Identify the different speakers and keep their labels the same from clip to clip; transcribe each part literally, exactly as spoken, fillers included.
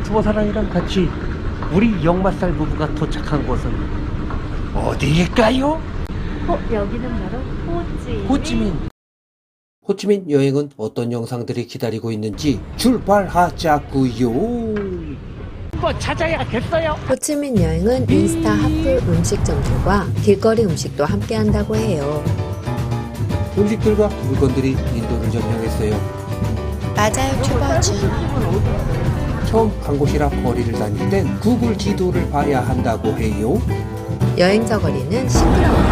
Speaker 1: 투어사랑이랑 같이 우리 역마살 부부가 도착한 곳은 어디일까요?
Speaker 2: 어, 여기는 바로 호찌.
Speaker 1: 호찌민. 호찌민 여행은 어떤 영상들이 기다리고 있는지 출발하자구요. 한번 찾아야겠어요.
Speaker 3: 호치민 여행은 인스타 핫플 음식점들과 길거리 음식도 함께 한다고 해요.
Speaker 1: 음식들과 물건들이 인도를 점령했어요.
Speaker 3: 맞아요, 튜버준.
Speaker 1: 처음 간 곳이라 거리를 다닐 땐 구글 지도를 봐야 한다고 해요.
Speaker 3: 여행자 거리는 시끄러워요.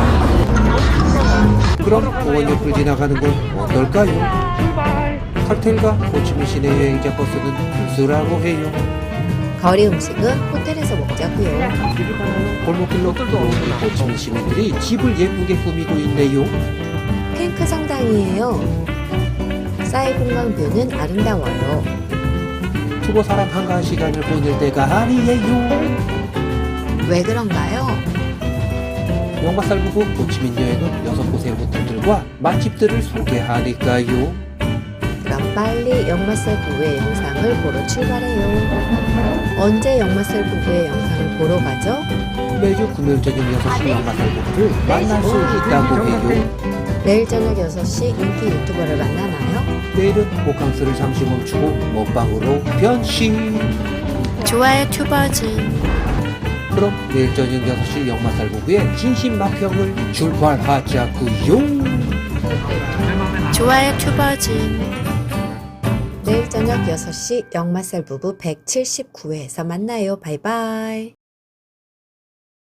Speaker 1: 그럼 공원 옆을 지나가는 건 어떨까요? 칵테일과 호치민 시내 여행자 버스는 필수라고 해요.
Speaker 3: 거리 음식은 호텔에서 먹자고요.
Speaker 1: 골목길로 들어오는 호치민 시민들이 집을 예쁘게 꾸미고 있네요.
Speaker 3: 핑크 성당이에요. 사이공강 뷰는 아름다워요.
Speaker 1: 투고사랑 한가한 시간을 보낼 때가 아니에요.
Speaker 3: 왜 그런가요?
Speaker 1: 역마살 부부 호치민 여행은 여섯 곳의 호텔들과 맛집들을 소개하니까요.
Speaker 3: 그럼 빨리 역마살 부부의 영상을 보러 출발해요. 언제 역마살 부부의 영상을 보러 가죠?
Speaker 1: 매주 금요일 저녁 여섯 시 역마살 부부를 만날 수 있다고 해요.
Speaker 3: 내일 저녁 여섯 시 인기 유튜버를 만나나요?
Speaker 1: 내일은 호캉스를 잠시 멈추고 먹방으로 변신.
Speaker 3: 좋아요, 튜버준.
Speaker 1: 그럼 내일 저녁 여섯 시 역마살 부부의 진심 막형을 출발하자구요.
Speaker 3: 좋아요, 튜버준. 내일 저녁 여섯 시 역마살 부부 백칠십구 회에서 만나요. 바이바이.